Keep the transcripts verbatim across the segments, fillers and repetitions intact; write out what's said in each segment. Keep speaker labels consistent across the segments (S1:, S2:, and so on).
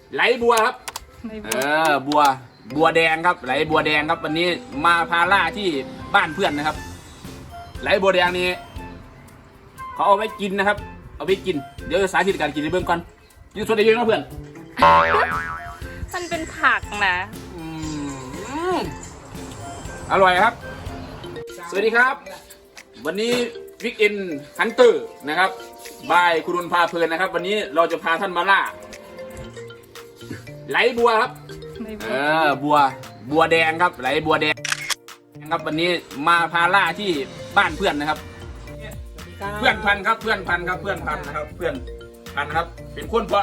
S1: ไหลบัวครับเออบัวบัวแดงครับไหลบัวแดงครับวันนี้มาพาล่าที่บ้านเพื่อนนะครับไหลบัวแดงนี้เขาเอาไว้กินนะครับเอาไว้กินเดี๋ยวสาธิตการกินในเบื้องก่อนกินสดได้เยอะนะเพื่อน
S2: มันเป็นผักนะ
S1: อืมอร่อยครับสวัสดีครับวันนี้วิกเอนฮันเตอร์นะครับบายคุณรุนพาเพลินนะครับวันนี้เราจะพาท่านมาล่าไหลบัวครับเออบัวบัวแดงครับไหลบัวแดงครับวันนี้มาพาล่าที่บ้านเพื่อนนะครับเพื่อนพันครับเพื่อนพันครับเพื่อนพันนะครับเพื่อนพันครับเป็นคนเพราะ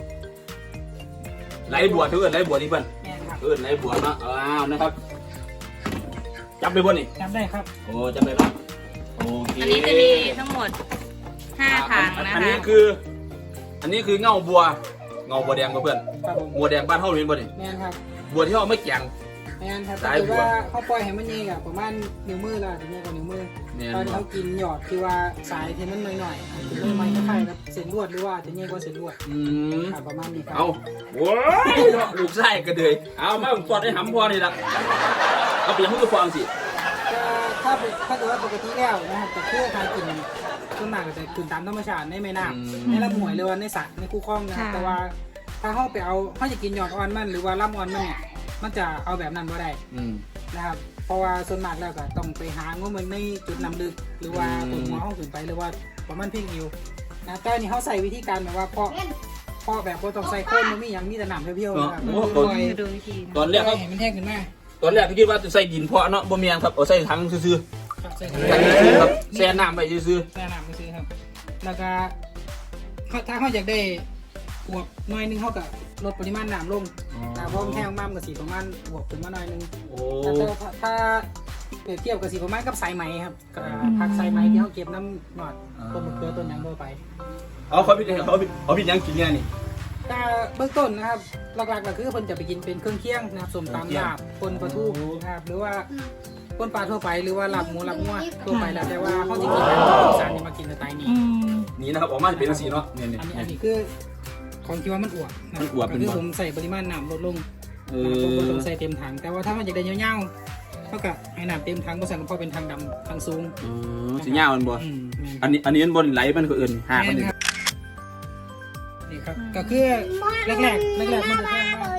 S1: ไหลบัวเถื่อนไหลบัวนี่เพื่อนเออไหลบัวเนาะอ้าวนะครับจำได้บ่นี่
S3: จำได้ครับ
S1: โอ้จำได้ครับโอเค
S2: อันนี้จะมีทั้งหมดห้าถังนะคะ
S1: อันนี้คืออันนี้คือเงาบัวเงาบัวแดงเพื่อนบัวแดงบ้านเฮาเห็นบ่นี่
S3: แม่นครับ
S1: บัวที่เขาไม่แกง
S3: แม่นครับแต่ว่าเขาปล่อยให้มันเองอะประมาณนิ้วมือละถึงเงี้ยกว่านิ้วมือตอนนี้เขากินหยอดคือว่าสายเทมันหน่อยๆถึงไม่ไม่คล้ายกับเส้นลวดหรือว่าถึงเงี้ยกว่าเส้นลวด
S1: อืม
S3: ประมาณนี้ครับ
S1: เอาว้ายลูกไส้กระเดยเอามาผมปอดให้หำพอนี่ละเอาเปลี่ยนหุ้นกระฟองสิ
S3: ถ้าถ้าเกิดว่าปกติแล้วนะครับแต่เพื่อการกินต้นหมากก็จะกินตามธรรมชาติในแม่น้ำในลำห้วยหรือว่าในสระในคูคลองนะครับแต่ว่าถ้าเขาไปเอาเขาจะกินหยอดอ่อนมันหรือว่าลำอ่อนมันเนี่ยมันจะเอาแบบนั้นไม่ได้นะครับเพราะว่าส่วนมากแล้วก็ต้องไปหางว่ามันในจุดนำลึกหรือว่าตัวหัวห้องขึ้นไปหรือว่าประมาณเพียงอยู่นะแต่นี่เขาใส่วิธีการแบบว่าเพาะเพาะแบบว่าต้องใส่โคนมันไม่ยังมีแต่หนามเพียวๆนะครับ
S2: ดูวิธี
S1: ตอนแรกเขา
S3: เห็นมันแห้งขึ้นมา
S1: ตอนแรกเขาคิดว่าจะใส่ดินเพาะเนาะบ่มีครับเอาใส่ถังซื่อๆครับแช่น้ำไปซื่อ
S3: ๆแช่น้ำไปซื่อครับแล้วก็ถ้าเขาอยากได้บวกหน่อยนึงเขากับลดปริมาณน้ำลงนะเพราะมันแห้งมากกับสีประมาณบวกขึ้นมาหน่อยนึงแต่ถ้าเปรียบเทียบกับสีประมาณกับสายไหมครับผักสายไหมที่เขาเก็บน้ำหนอดต้นมะเขือต้นยังโดยไป
S1: เอาเขาพิจเขาพิเขาพิจยังกินเนี่ยนี่
S3: แต่เบื้องต้นนะครับหลักๆก็คือคนจะไปกินเป็นเครื่องเคียงนะครับส้มตำลาบปนปลาทูนะครับหรือว่าปนปลาทั่วไปหรือว่าลาบหมูลาบงัวทั่วไปแล้วแต่ว่าเขาจะกินแบบอีสานมากินสไตล์นี้
S1: นี่นะครับออกมาจะเป็นสีเนาะ
S3: เนี่ยอันนี้อันนี้คือของที่ว่ามันอวบ
S1: มันอวบ
S3: คือผมใส่ปริมาณน้ำลดลงผมใส่เต็มถังแต่ว่าถ้ามันอยากได้เงี้ยวๆเท่ากับให้น้ำเต็มถังก็สั่งเพราะเป็นถังดำถังสูง
S1: สีเงี้ยมันบ่อันนี้อันนี้มันบนไหลมันก็อื่นหามันนี่
S3: ครับก็คือแรกๆแรกๆมันจะแพงมาก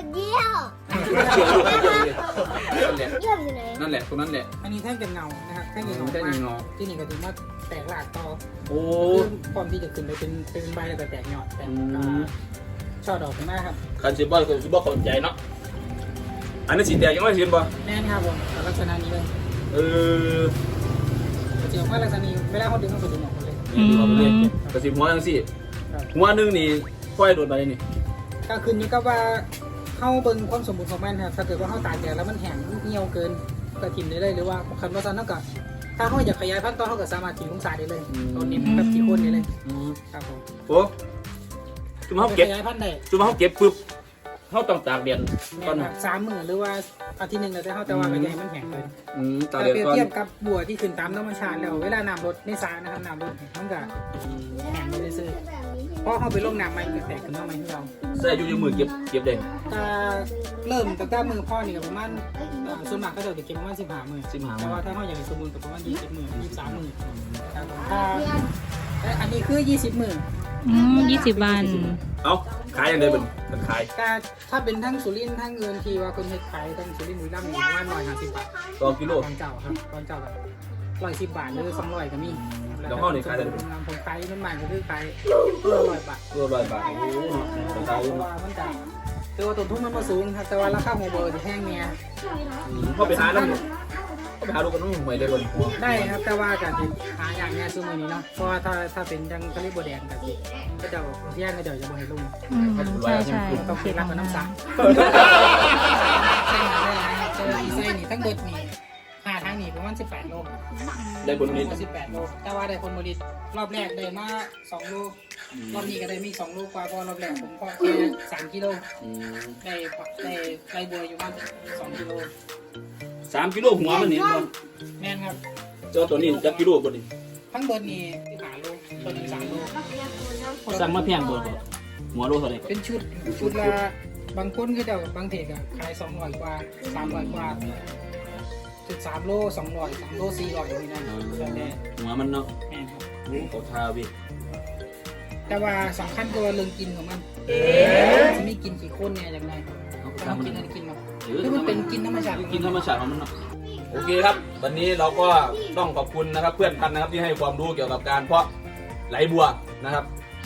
S1: นั่นแหละตรงนั้นแหละ
S3: อันนี้แท่งเป็นเงานะครับแท่งเป็นเงาที่นี่ก็ถือว่าแตกหลากต่อ
S1: โอ้
S3: พร้อมที่จะขึ้นไปเป็นเป็นใบแล้วก็แตกยอดแตกช่อดอกขึ้นมาครับ
S1: คันซิบอลคือซิบอลขนใจเนาะอันนี้สีแดงยังไม่เห็นป่ะ
S3: แน่นครับผมลักษณะนี้เลย
S1: เออ
S3: เจียวว่าลักษณะนี้เวลาเขาดึงเขาจะดึงออกเลย
S1: ออกเลยกระสิบหัวทั้งสี่หัวนึงนี่ค่อยโดดไปนี่
S3: ก็คืนนี้ก็ว่าเข้าเบิ้งความสมบูรณ์ของมันครับถ้าเกิดว่าเข้าตากแดดแล้วมันแห้งเหี่ยวเกินก็ทิ่มได้เลยหรือว่าคันว่าซันเท่ากับถ้าเขาอยากขยายพันธุ์ต่อเขาก็สามารถทิ้งลงสายได้เลยตอนนี้แบบที่คนได้เลยครับผม
S1: โอ้จุ่มเขาเก็บ
S3: ขยายพันธุ์ได้
S1: จุ่มเขาเก็บปุ๊บเขาต้องตากแดด
S3: ตอนสามมื้อหรือว่าอาทิตย์หนึ่งแต่เขาแต่ว่าไม่ให้มันแห้งเลย
S1: ตากแดดก่อน
S3: เทียบกับบัวที่ขึ้นตามธรรมชาติแล้วเวลาน้ำลดในสระนะครับน้ำลดมันก็แห้งไม่ได้ซื้อเพราะเขาไปลงน้ำใหม่ก็แตกขึ้นมาใหม่ที่เรา
S1: ใส่อยู่ในมือเก็บเก็บได้
S3: ถ้าเริ่มตั้งแต่มือพ่อนี่ก็ประมาณส่วนมากก็จะเก็บประมาณสิบห้ามือ
S1: สิบห้า
S3: แต่ว่าถ้าเขาอยากสมบูรณ์ก็ประมาณยี่สิบมือยี่สิบสามมือถ้าอันนี้คือยี่สิบมือ
S2: อืมยี่สิบวัน
S1: เอ้าขายยังไงเป็นเป็นขาย
S3: ถ้าเป็นทั้งสุรินทร์ทั้งเงินทีว่าคนเฮ็ดขายทั้งสุรินทร์บุรีรัมย์อยู่ประมาณร้อยห้าสิบบาท
S1: ต่อกิโล
S3: ตอนเจ้าครับตอนเจ้าแบบร้อยสิบบาทหรือสองร้อยก็มี
S1: แล้วห้องนี่ขายได้
S3: ผมขายน้ำมันก็คือขายตัวร้อยบาท
S1: ตัวร้อยบาทโอ้โห
S3: เพราะว่ามันจะแต่ว่าต้นทุนมันมาสูงครับแต่ว่าราคาหัวเบอร์จะแพงเนี่ย
S1: เขาไปหาแล้วเขาไปหาลูกกันน้องใหม่ได้บน
S3: ได้ครับแต่ว่าการหาอย่างเงี้ยซื้อมือนี้เนาะเพราะว่าถ้าถ้าเป็นจังกะลิบัวแดงกับที่ก็จะแย่งก็จะจะบ่ให้ลุง
S2: ใช่ใช่
S3: ต้องคิดรับกับน้ำสังใช่ใช่เจออีไซนี่ทั้งเบิดนี่หาทางนี่ประมาณสิบแปดโล
S1: ได้ผลผลิต
S3: สิบแปดโลแต่ว่าได้ผลผลิตรอบแรกได้มาสองโลรอบนี้ก็ได้มีสองโลกว่าเพราะรอบแรกผมก็แค่สามกิโลได้ได้ไก่บัวอยู่ประมาณสองกิโล
S1: สามกิโลหัวมันนี่บ่
S3: แม่นครับ
S1: เจ้าตัวนี้จักกิโลบ่นี่
S3: ทั้งเบิดนี่สิบห้าโลตัวนึงสามโล
S1: สั่งมาแพงบ่หัวโลเท่าไหร่
S3: เป็นชุดชุดละบางคนก็จะบางเทกอะขายสองร้อยกว่าสามร้อยกว่าจุดสามโลสองร้อยสามโลสี่ร้อยนี่นะแล้วแต่
S1: หัวมันเนาะ
S3: แม่นครับ
S1: โอ้เขาทาวิ
S3: แต่ว่าสำคัญก็ว่าเรื่องกินของมันจะมีกินกี่คนเนี่ยอย่างไรต้องกินอะไรกินมาคือมันเป็นกินธรรมชาติ
S1: กินธรรมชาติของมันเนาะโอเคครับ วันนี้เราก็ต้องขอบคุณนะครับ เพื่อนกันนะครับที่ให้ความรู้เกี่ยวกับการเพาะไหลบัวนะครับ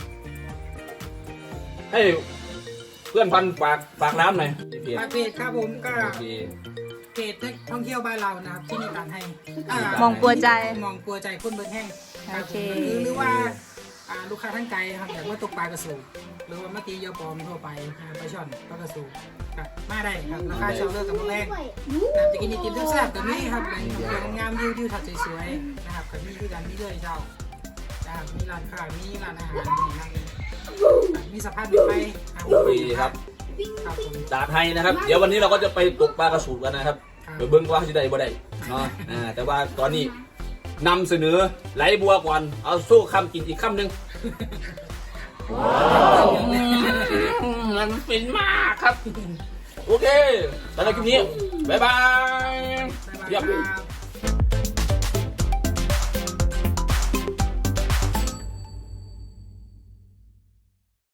S1: ให้เพื่อนพันฝากฝากน้ำหน่อยเพจ
S3: ปากเพจครับผมก็
S1: โอเค
S3: เพจท่องเที่ยวบ้านเรานะครับที่มีการให้อ่าม
S2: องกลัวใจ
S3: มองกลัวใจคนเบิร์ดแห้งครับ
S2: โอเค
S3: หรือหรือว่าอ่าลูกค้าทั้งไกลครับอยากว่าตกปลากระสูหรือว่ามาตียอปลอมทั่วไปอ่าปลาช่อนปลากระสูครับมาได้ครับราคาชาวเลิกกับโมแรงนะครับจะกินไอติมแซ่บๆกับนี่ครับแหล่งท่องเที่ยวงามๆวิวทิวทัศน์สวยๆนะครับกับมีด้วยกันมีด้วยเจ้านะครับมีร้านค้ามีร้านอาหารมีนั่งมีสภาพแบบไปอ่า
S1: โอเคครับ
S3: ครับผม
S1: ดาไทยนะครับ เดี๋ยววันนี้เราก็จะไปตกปลากระสูบกันนะครับ
S3: ครับ
S1: ไปเบิ้งว่าจะได้บ่ได้เนาะอ่าแต่ว่าตอนนี้นำเสนอไหลบัวก่อนเอาสู้คำกินอีกคำหนึ่งมันฟินมากครับ โอเคสำหรับคลิปนี้ บ๊ายบาย
S3: บ๊ายบาย
S1: เยี่ยม
S3: ครับ